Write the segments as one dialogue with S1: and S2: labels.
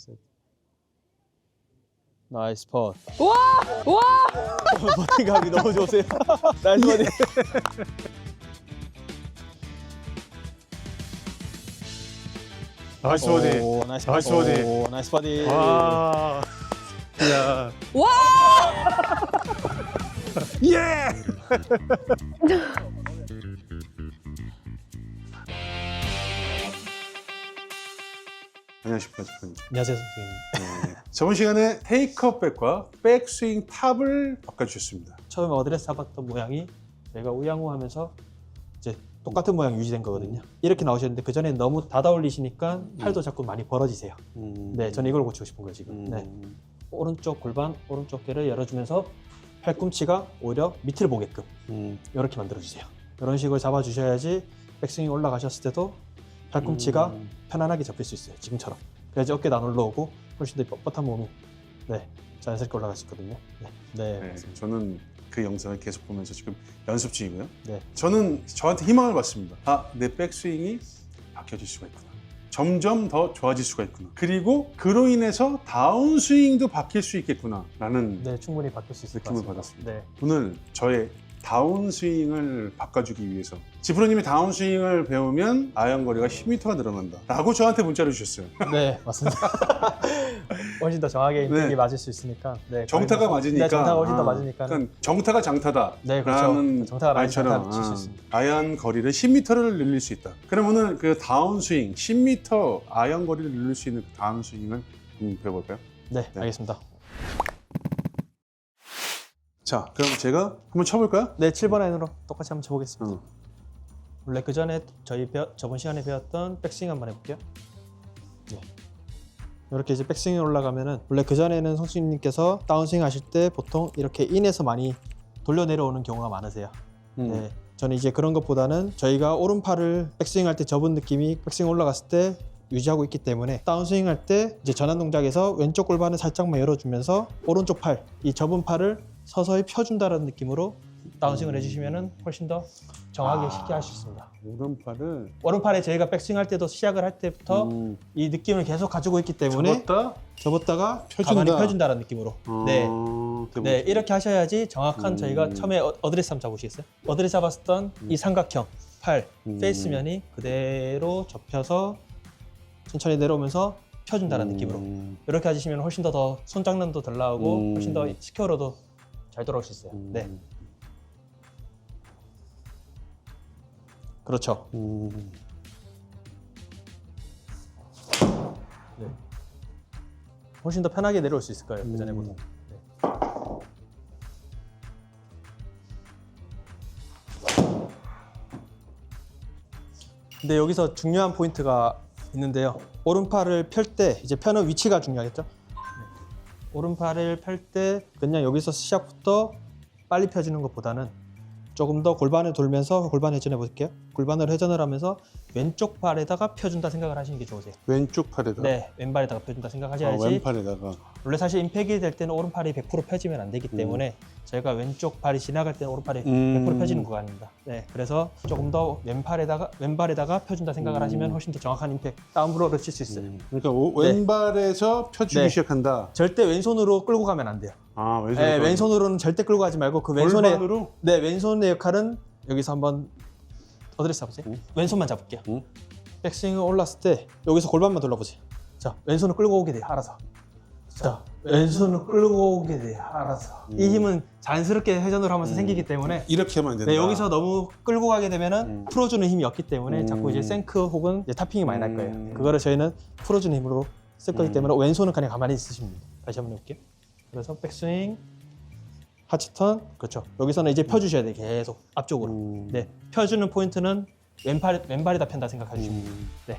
S1: 셋. 나이스 펀.
S2: 와! 와!
S1: 버팅감이 너무 좋으세요. 나이스 버디.
S3: 나이스 버디.
S1: 오, 나이스
S3: 나이스
S1: 버디.
S3: 버디.
S1: 오, 나이스 버디.
S3: 와. 야.
S2: 와!
S3: 예! 안녕하십니까, 작가님.
S1: 안녕하세요, 선생님.
S3: 네. 저번 시간에 테이크업 백과 백스윙 탑을 바꿔주셨습니다.
S1: 처음에 어드레스 잡았던 모양이 저희가 우양우하면서 이제 똑같은 모양 유지된 거거든요. 이렇게 나오셨는데 그 전에 너무 닫아 올리시니까 팔도 자꾸 많이 벌어지세요. 네, 저는 이걸 고치고 싶은 거예요 지금. 네, 오른쪽 골반, 오른쪽 궤를 열어주면서 팔꿈치가 오히려 밑을 보게끔 이렇게 만들어주세요. 이런 식으로 잡아주셔야지 백스윙이 올라가셨을 때도 팔꿈치가 편안하게 잡힐 수 있어요. 지금처럼. 그래야지 어깨도 안 올라오고 훨씬 더 뻣뻣한 몸이 네, 자연스럽게 올라갈 수 있거든요. 네, 네,
S3: 네,
S1: 맞습니다.
S3: 저는 그 영상을 계속 보면서 지금 연습 중이고요.
S1: 네.
S3: 저는 저한테 희망을 받습니다. 아, 내 백스윙이 바뀌어질 수가 있구나. 점점 더 좋아질 수가 있구나. 그리고 그로 인해서 다운스윙도 바뀔 수 있겠구나 라는
S1: 네, 충분히 바뀔 수 있을 것
S3: 느낌을
S1: 같습니다.
S3: 받았습니다.
S1: 네.
S3: 오늘 저의 다운스윙을 바꿔주기 위해서 지프로님이 다운스윙을 배우면 아이언거리가 10m가 늘어난다 라고 저한테 문자를 주셨어요.
S1: 네, 맞습니다. 훨씬 더 정확하게 임팩이
S3: 네.
S1: 맞을 수 있으니까. 네,
S3: 정타가 맞으니까.
S1: 네, 정타가 훨씬 더 맞으니까.
S3: 그러니까 정타가 장타다.
S1: 네, 그렇죠.
S3: 라는
S1: 정타가 많이
S3: 말처럼
S1: 장타를 칠수 있습니다.
S3: 아이언 거리를 10m를 늘릴 수 있다. 그럼 오늘 그 다운스윙 10m 아이언 거리를 늘릴 수 있는 그 다운스윙을 배워볼까요?
S1: 네, 알겠습니다.
S3: 자, 그럼 제가 한번 쳐볼까요?
S1: 네, 7번 아이언으로 똑같이 한번 쳐보겠습니다.
S3: 어.
S1: 원래 그 전에 저번 시간에 배웠던 백스윙 한번 해볼게요. 네. 이렇게 이제 백스윙이 올라가면은 원래 그 전에는 성수님께서 다운스윙 하실 때 보통 이렇게 인에서 많이 돌려 내려오는 경우가 많으세요. 네, 저는 이제 그런 것보다는 저희가 오른팔을 백스윙 할 때 접은 느낌이 백스윙 올라갔을 때 유지하고 있기 때문에 다운스윙 할 때 이제 전환 동작에서 왼쪽 골반을 살짝만 열어주면서 오른쪽 팔, 이 접은 팔을 서서히 펴준다는 느낌으로 다운스윙을 해주시면은 훨씬 더 정확하게 쉽게 할 수 있습니다.
S3: 오른팔을
S1: 오른팔에 저희가 백스윙 할 때도 시작을 할 때부터 이 느낌을 계속 가지고 있기 때문에 접었다가
S3: 펴준다.
S1: 가만히 펴준다는 느낌으로 네. 네, 이렇게 하셔야지 정확한 저희가 처음에 어드레스 한번 잡으시겠어요? 어드레스 잡았던 이 삼각형 팔 페이스면이 그대로 접혀서 천천히 내려오면서 펴준다는 느낌으로 이렇게 하시면 훨씬 더 손장난도 덜 나오고 훨씬 더 스퀘어로도 잘 돌아올 수 있어요. 네, 그렇죠. 네. 훨씬 더 편하게 내려올 수 있을 거예요. 그 전에보다. 네. 근데 여기서 중요한 포인트가 있는데요. 오른팔을 펼 때 이제 펴는 위치가 중요하겠죠. 네. 오른팔을 펼 때 그냥 여기서 시작부터 빨리 펴지는 것보다는 조금 더 골반을 돌면서 골반 회전해 볼게요. 골반을 회전을 하면서 왼쪽 팔에다가 펴준다 생각을 하시는 게 좋으세요.
S3: 왼쪽 팔에다.
S1: 네, 왼발에다가 펴준다 생각하셔야지.
S3: 왼팔에다가.
S1: 원래 사실 임팩이 될 때는 오른팔이 100% 펴지면 안 되기 때문에 저희가 왼쪽 발이 지나갈 때는 오른팔이 100% 펴지는 구간입니다. 네, 그래서 조금 더 왼발에다가 펴준다 생각을 하시면 훨씬 더 정확한 임팩, 다운브로를 칠 수 있어요.
S3: 그러니까 왼발에서 펴주기
S1: 네.
S3: 시작한다.
S1: 절대 왼손으로 끌고 가면 안 돼요.
S3: 아, 왼손으로.
S1: 네, 왼손으로는 절대 끌고 가지 말고 그 왼손의
S3: 골반으로?
S1: 네, 왼손의 역할은 여기서 한번 어드레스 잡으세요. 왼손만 잡을게요. 백스윙을 올랐을 때 여기서 골반만 돌려보세요. 자, 왼손을 끌고 오게 돼요. 알아서. 자, 왼손을 끌고 오게 돼요. 알아서. 이 힘은 자연스럽게 회전을 하면서 생기기 때문에
S3: 이렇게 하면 안 된다.
S1: 네, 여기서 너무 끌고 가게 되면은 풀어주는 힘이 없기 때문에 자꾸 이제 생크 혹은 이제 타핑이 많이 날 거예요. 그거를 저희는 풀어주는 힘으로 쓸 거기 때문에 왼손은 그냥 가만히 있으시면 됩니다. 다시 한번 해볼게요. 그래서 백스윙, 하치턴, 그렇죠. 여기서는 이제 펴주셔야 돼요. 계속 앞쪽으로. 네, 펴주는 포인트는 왼발에다 편다 생각하시면 됩니다. 네.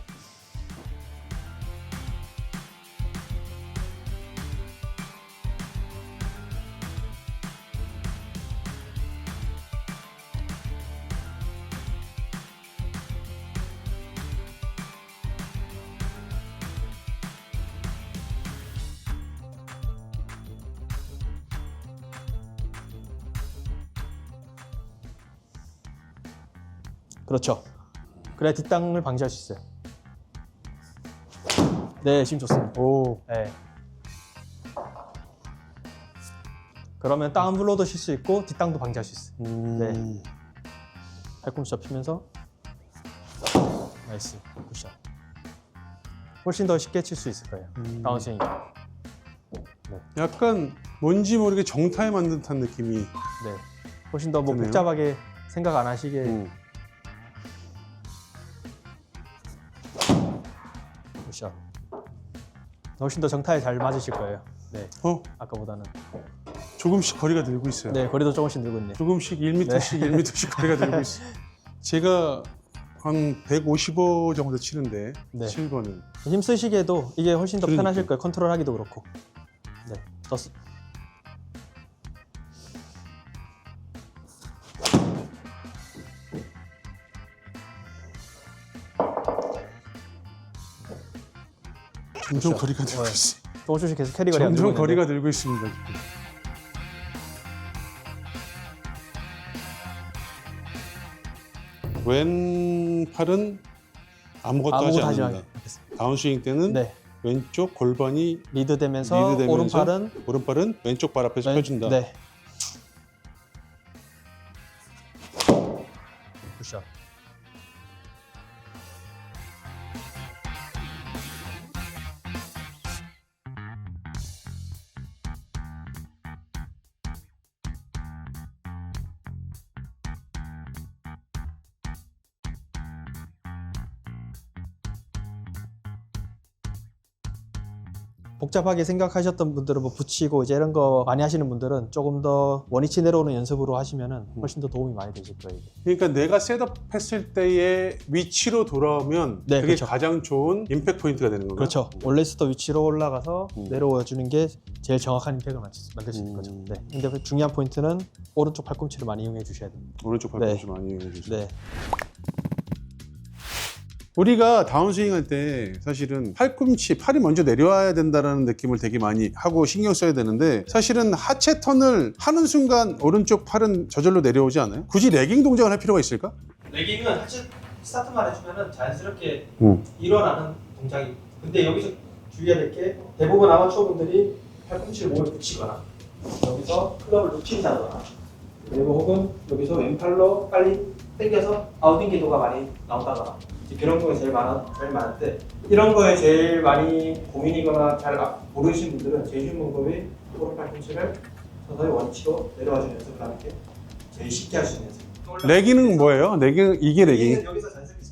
S1: 그렇죠. 그래야 뒷땅을 방지할 수 있어요. 네, 힘 좋습니다.
S3: 오.
S1: 네. 그러면 다운블로도 쉴 수 있고 뒷땅도 방지할 수 있어요. 네. 팔꿈치 접히면서 나이스 굿샷. 훨씬 더 쉽게 칠 수 있을 거예요. 다운스윙.
S3: 약간 뭔지 모르게 정타에 만든 듯한 느낌이.
S1: 네. 훨씬 더 뭐
S3: 드네요.
S1: 복잡하게 생각 안 하시게 굿샷. 훨씬 더 정타에 잘 맞으실 거예요. 네. 아까보다는.
S3: 조금씩 거리가 늘고 있어요.
S1: 네, 거리도 조금씩 늘고 있네요.
S3: 조금씩 1m씩 1m씩 거리가 늘고 있어요. 제가 한 155 정도 치는데
S1: 네.
S3: 7번은
S1: 힘 쓰시기에도 이게 훨씬 더
S3: 그러니까.
S1: 편하실 거예요. 컨트롤하기도 그렇고. 네. 더
S3: 점점
S1: 그렇죠.
S3: 거리가 늘고
S1: 네.
S3: 있어요.
S1: 조금씩 계속 캐리 거리가
S3: 점점
S1: 늘고
S3: 거리가
S1: 있는데.
S3: 늘고 있습니다. 왼팔은 아무것도 하지
S1: 아무것도 하지
S3: 않는다.
S1: 않겠습니다.
S3: 다운스윙 때는
S1: 네.
S3: 왼쪽 골반이
S1: 리드되면서
S3: 리드되면서 오른팔은 왼쪽 발 앞에서 펴준다.
S1: 네. 굿샷. 복잡하게 생각하셨던 분들은 뭐 붙이고 이제 이런 거 많이 하시는 분들은 조금 더 원위치 내려오는 연습으로 하시면은 훨씬 더 도움이 많이 되실 거예요. 이게.
S3: 그러니까 내가 셋업했을 때의 위치로 돌아오면
S1: 네,
S3: 그게
S1: 그렇죠.
S3: 가장 좋은 임팩트 포인트가 되는 건가요?
S1: 그렇죠. 원래스터 위치로 올라가서 내려와 주는 게 제일 정확한 임팩을 만들 수 있는 거죠. 네. 근데 그 중요한 포인트는 오른쪽 팔꿈치를 많이 이용해 주셔야 됩니다.
S3: 오른쪽 팔꿈치 많이 이용해 주세요.
S1: 네.
S3: 우리가 다운스윙 할 때 사실은 팔이 먼저 내려와야 된다는 느낌을 되게 많이 하고 신경 써야 되는데 사실은 하체 턴을 하는 순간 오른쪽 팔은 저절로 내려오지 않아요? 굳이 레깅 동작을 할 필요가 있을까?
S2: 레깅은 하체 스타트만 해주면은 자연스럽게 일어나는 동작이. 근데 여기서 주의해야 될 게 대부분 아마추어 분들이 팔꿈치를 몸에 붙이거나 여기서 클럽을 놓친다거나 그리고 혹은 여기서 왼팔로 빨리 당겨서 아웃인 기도가 많이 나온다거나 그런 거에 제일 많은데 이런 거에 제일 많이 고민이거나 잘 모르시는 분들은 제일 쉬운 방법이 오른 팔꿈치를 서서히 원위치로 내려와주는 연습을 하는 게 제일 쉽게 할 수 있는 연습.
S3: 레깅은 뭐예요? 레깅 이게 레깅?
S2: 여기서 자연스럽게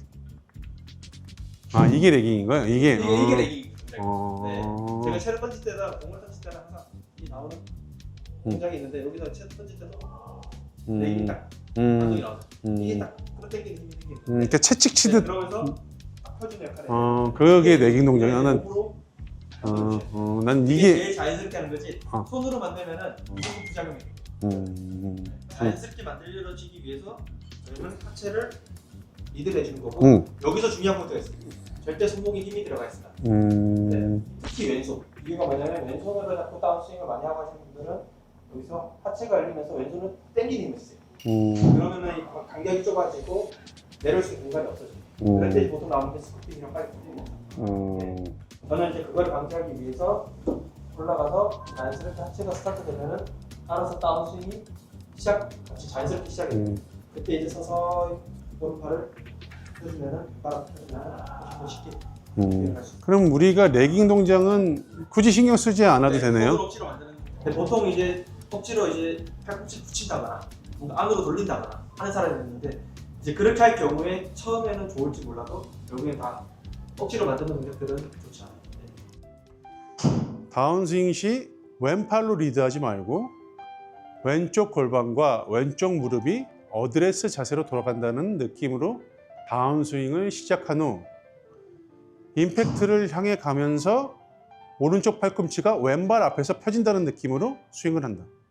S3: 아 이게 레깅인 거예요? 이게
S2: 이게 레깅.
S3: 어.
S2: 네. 제가 채를 던질 때나 공을 던질 때나 항상 이 나오는 동작이 있는데 여기서 채 던질 때도 레깅이 딱 반동이 나와요. 이게 딱 끌어당기는 힘이 생기는.
S3: 그러니까 채찍 치듯.
S2: 그러면서 딱 펴주는 역할을.
S3: 그게 레깅 동작이야. 나는
S2: 몸으로
S3: 난
S2: 이게
S3: 이게
S2: 제일 자연스럽게 하는 거지. 손으로 만들면은 무조건 부작용이. 자연스럽게 만들어지기 위해서 저희는 하체를 리드를 해주는 거고 여기서 중요한 포인트가 있어요. 절대 손목에 힘이 들어가 있습니다. 네. 특히 왼손. 이유가 뭐냐면 왼손으로 자꾸 다운스윙을 많이 하고 하시는 분들은 여기서 하체가 열리면서 왼손은 당기는 힘을 쓰세요. 그러면은 이 간격이 좁아지고 내려올 수 있는 공간이 없어져요. 그럴 때 보통 나오는 게 스쿠팅이랑 빨리 풀리는 거예요. 저는 이제 그걸 방지하기 위해서 올라가서 자연스럽게 하체가 스타트 되면은 알아서 다운스윙이 같이 자연스럽게 시작이 돼요. 그때 이제 서서히 오른팔을 펴주면은 바로 펴주면은 더 쉽게 일어날 수 있어요.
S3: 그럼 우리가 레깅 동작은 굳이 신경 쓰지 않아도 되네요.
S2: 손으로 억지로 만드는. 근데 보통 이제 억지로 이제 팔꿈치 붙인다거나 뭔가 안으로 돌린다거나 하는 사람이 있는데 이제 그렇게 할 경우에 처음에는 좋을지 몰라도 결국엔 다 억지로 만드는 동작들은 좋지 않아요.
S3: 다운스윙 시 왼팔로 리드하지 말고 왼쪽 골반과 왼쪽 무릎이 어드레스 자세로 돌아간다는 느낌으로 다운스윙을 시작한 후 임팩트를 향해 가면서 오른쪽 팔꿈치가 왼발 앞에서 펴진다는 느낌으로 스윙을 한다.